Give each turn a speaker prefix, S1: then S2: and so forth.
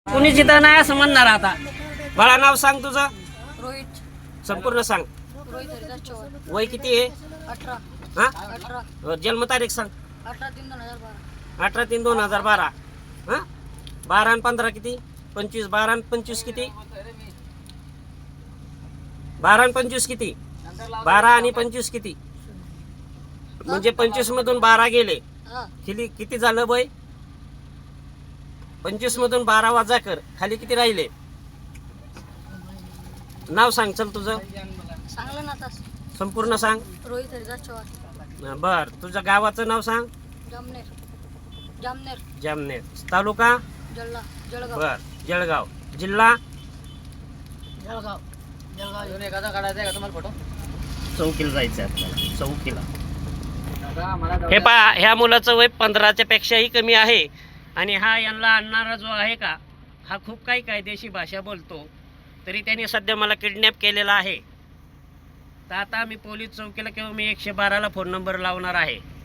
S1: कुणी जिथं नाही असं म्हणणार आता. बाळा नाव सांग तुझं.
S2: रोहित
S1: संपूर्ण सांग.
S2: रोहित हरिदास चव्हाण.
S1: वय किती आहे?
S2: 18
S1: हा
S2: 18
S1: जन्मतारीख सांग.
S2: 18/3/2012.
S1: 18/3/2012. हा 12 आणि 15 किती? 25. 12 आणि 25 किती? 12 आणि 25 किती? 12 आणि 25 किती? म्हणजे 25 मधून 12 गेले.
S2: हा
S1: किती झालं बय? 25 मधून 12 वजा कर, खाली किती राहिले? नाव सांग चल तुझं.
S2: सांगलं ना आता.
S1: संपूर्ण सांग.
S2: रोहित हरिदास चव्हाण.
S1: बर तुझ्या गावाचं नाव सांग.
S2: जामनेर जामनेर
S1: जामनेर. तालुका
S2: जळगाव
S1: बर जळगाव. जिल्हा
S2: जळगाव येऊन एखादा काढायचा आहे का तुम्हाला फोटो?
S1: चौकीला जायचं आपल्याला. चौकीला. हे पहा, ह्या मुलाचं वय 15च्या पेक्षाही कमी आहे आणि हा यांना आणणारा जो आहे का, हा खूप काही कायदेशीर भाषा बोलतो. तरी त्यांनी सध्या मला किडनॅप केलेला आहे. तर आता मी पोलीस चौकीला किंवा मी 112ला फोन नंबर लावणार आहे.